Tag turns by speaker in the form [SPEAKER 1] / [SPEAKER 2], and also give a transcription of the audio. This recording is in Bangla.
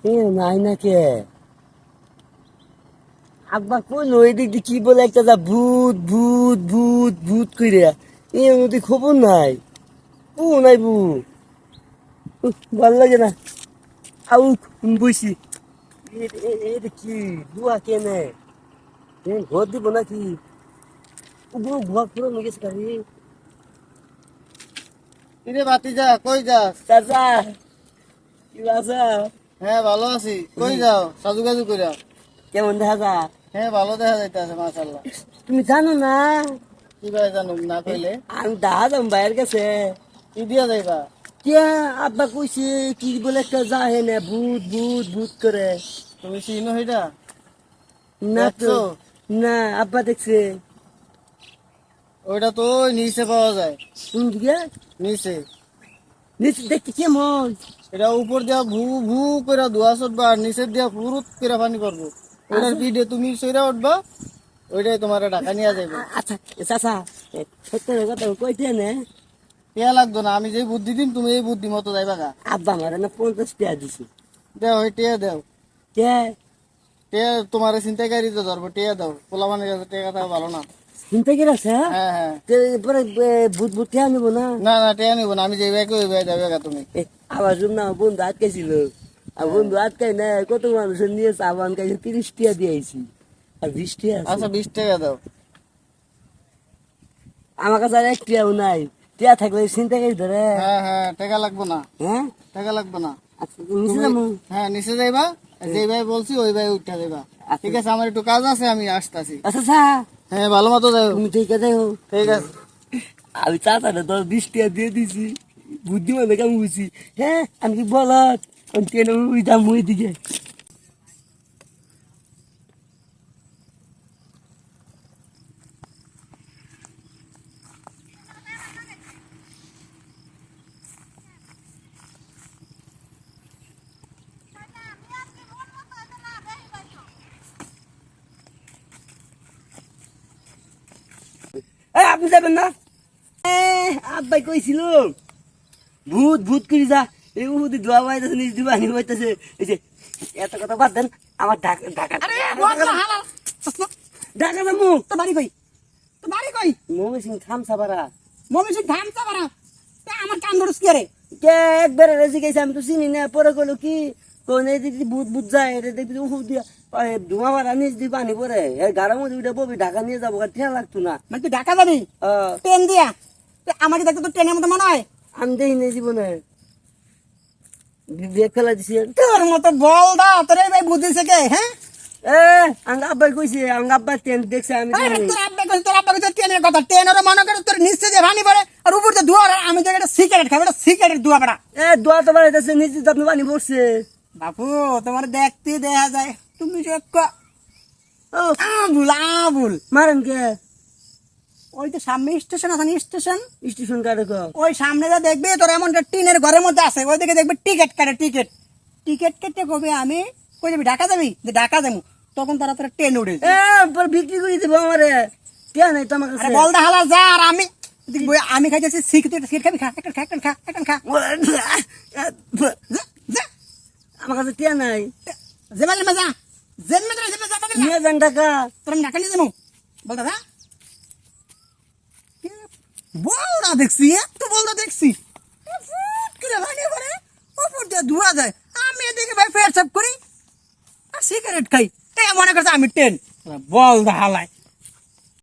[SPEAKER 1] এ নাই না কে আব্বা কোন ওই দিক দিয়ে কি বলে একটা যা ভূত ভূত ভূত ভূত কইরে এর মধ্যে খবর নাই ও নাই বু ভাল লাগে না আউ বসি এটা কি দুয়া কেনে ঘর দিব নাকি ঘর পুরো গেছে কারি
[SPEAKER 2] কিরে ভাতিজা কই যাস?
[SPEAKER 1] চাচা কি বাসা
[SPEAKER 2] হ্যাঁ ভালো আছি। কই যাও সাজুগাজু কইরা?
[SPEAKER 1] কেমন দেখা যা
[SPEAKER 2] হ্যাঁ ভালো দেখা যাইতেছে মাশাআল্লাহ।
[SPEAKER 1] তুমি জানো না
[SPEAKER 2] কি ভাই জানুম না কইলে
[SPEAKER 1] আমি দেখা যাম বাইরের কাছে
[SPEAKER 2] কি দিয়া যাইবা?
[SPEAKER 1] কে আব্বা কইছে কি বলে একটা যাহে না ভূত ভূত ভূত করে
[SPEAKER 2] তুমি চিনো হইটা?
[SPEAKER 1] না তো
[SPEAKER 2] দেখছো?
[SPEAKER 1] না আব্বা দেখছে
[SPEAKER 2] ওইটা তো ওই নিচে পাওয়া যায়।
[SPEAKER 1] কোন দিকে
[SPEAKER 2] নিচে
[SPEAKER 1] নিচে দেখতে কেমন
[SPEAKER 2] এটা উপর দিয়া ভু ভু করে ধোয়া ছড়বা আর নিচের দিয়া ফুরুত করে পানি পড়বো। ওইটার পিঠে তুমি সইরা উঠবা, ওইটাই তোমার ঢাকা নিয়ে যাইবে।
[SPEAKER 1] আচ্ছা চাচা সত্য কথা কইতে না
[SPEAKER 2] টিয়া লাগতো না, আমি যে বুদ্ধি দিন তুমি এই বুদ্ধি মতো যাইবা গা।
[SPEAKER 1] আব্বা আমার না 50 টাকা দিছে
[SPEAKER 2] দেও ওই টিয়া দেও,
[SPEAKER 1] কে
[SPEAKER 2] টিয়া তোমার চিন্তাকারীতে ধরবো, টিয়া দাও। পোলা মানে টিয়া থাকা ভালো না।
[SPEAKER 1] চিন্তা করে আছে
[SPEAKER 2] হ্যাঁ হ্যাঁ
[SPEAKER 1] পরে ভূত ভূত কে আনবো না
[SPEAKER 2] না না টিয়া নিবো না, আমি যে ব্যাগ ওই ব্যাগ যাবে গা তুমি।
[SPEAKER 1] আবার শুন না বন্ধু আটকেছিল আর বন্ধু আটকাই না কত মানুষের নিয়ে সাবান খাইছে 30 টাকা দিয়েছি আর 20 টাকা আছে।
[SPEAKER 2] আচ্ছা 20 টাকা দাও।
[SPEAKER 1] আমার কাছে আর 1 টাকাও নাই টিয়া থাকলে চিন্তা করি ধরে
[SPEAKER 2] হ্যাঁ হ্যাঁ টাকা লাগবো না,
[SPEAKER 1] হ্যাঁ
[SPEAKER 2] টাকা লাগবো না।
[SPEAKER 1] আচ্ছা নিচে যাবো
[SPEAKER 2] হ্যাঁ নিচে যাইবা, যে ভাই বলছি ওই ভাই উঠা যাইবা। ঠিক আছে, আমার একটু কাজ আছে, আমি আসতেছি।
[SPEAKER 1] আচ্ছা আচ্ছা
[SPEAKER 2] হ্যাঁ ভালো মতো যাও।
[SPEAKER 1] তুমি ঠিক আছে
[SPEAKER 2] ঠিক আছে।
[SPEAKER 1] আমি চাচাটা 10-20 টাকা দিয়ে দিছি বুদ্ধিমান দেখে আমি বুঝছি হ্যাঁ আমি কি বলত আমি ট্রেনে উইতাম ওই দিকে আপনি যাবেন না আব্বাই কইছিল ভূত ভূত করি যা এই উহুদি দোয়া বাইতেছে নিজ দিবা আনি বাইতেছে এই যে এত কথা বাদ দেন আমার ঢাকা ঢাকা ঢাকা যাবো
[SPEAKER 3] তো বাড়ি কই? তো বাড়ি কই?
[SPEAKER 1] মমি সিং খাম সাবারা
[SPEAKER 3] মমি সিং ধান চাবারা। তা আমার কান ধরস কি রে?
[SPEAKER 1] কে একবারে রেজি গেছে আমি তো চিনি না পরে কইলো কি কোন এই দিদি ভূত ভূত যায় এটা দেখবি উহু দিয়া ধোঁয়া মারা নিজ দিবা আনি পরে এই গাড়ার মধ্যে উঠে ববি ঢাকা নিয়ে যাবো ঠেয়া লাগতো না
[SPEAKER 3] মানে তুই ঢাকা যাবি ট্রেন দিয়া? আমাকে দেখতে তো ট্রেনের মতো মনে হয়।
[SPEAKER 1] আমি দেখি নাই জীবনে বিয়ে ফেলা দিছি
[SPEAKER 3] তোর মতো বল দা তোর এই ভাই বুঝিছে কে? হ্যাঁ
[SPEAKER 1] আঙ্গ আব্বাই কইছে আঙ্গ আব্বা টেন দেখছে আমি
[SPEAKER 3] আরে
[SPEAKER 1] জানি।
[SPEAKER 3] তোর আব্বা কইছে ট্রেনের কথা। ট্রেনের মনে করে তোর নিচে যে পানি পড়ে আর উপর দিয়ে ধোয়া। আর আমি তো একটা সিগারেট খাবো, এটা সিগারেট ধোয়া পড়া।
[SPEAKER 1] দোয়া তো বাড়াইতেছে নিচে তো আপনি পানি পড়ছে
[SPEAKER 3] বাপু তোমার দেখতে দেখা যায় তুমি যে
[SPEAKER 1] ও
[SPEAKER 3] আবুল আবুল।
[SPEAKER 1] মারেন কে
[SPEAKER 3] ওই তো সামনে স্টেশন আছে না, স্টেশন
[SPEAKER 1] স্টেশন কাটে
[SPEAKER 3] ওই সামনে যা দেখবি তোর এমন একটা টিনের ঘরের মধ্যে আছে, ওই দিকে দেখবি টিকিট কাটে। টিকিট টিকিট কেটে কবে আমি কই যাবি? ঢাকা যাবি? যে ঢাকা যাবো তখন তারা তোর ট্রেন উঠে
[SPEAKER 1] পরে বিক্রি করে দিব আমারে কে নাই তো আমার কাছে
[SPEAKER 3] বল দা হালা যা। আর আমি আমি খাইতেছি সিগারেট। সিগারেট খাবি? খা একটা খা একটা খা একটা খা। যা, যা।
[SPEAKER 1] আমার কাছে কে নাই
[SPEAKER 3] জেমালে মজা জেমে যা জেমে যা
[SPEAKER 1] নিয়ে যান টাকা
[SPEAKER 3] তোর আমি ঢাকা নিয়ে যাবো। বল দাদা বল না দেখছি এত বল না দেখছি ফুট করে ভাঙে পড়ে উপর দিয়ে ধোয়া যায়। আমি এদিকে ভাই ফেয়ার সাপ করি আর সিগারেট খাই। তাই মনে করছে আমি ট্রেন। বল দা হালায়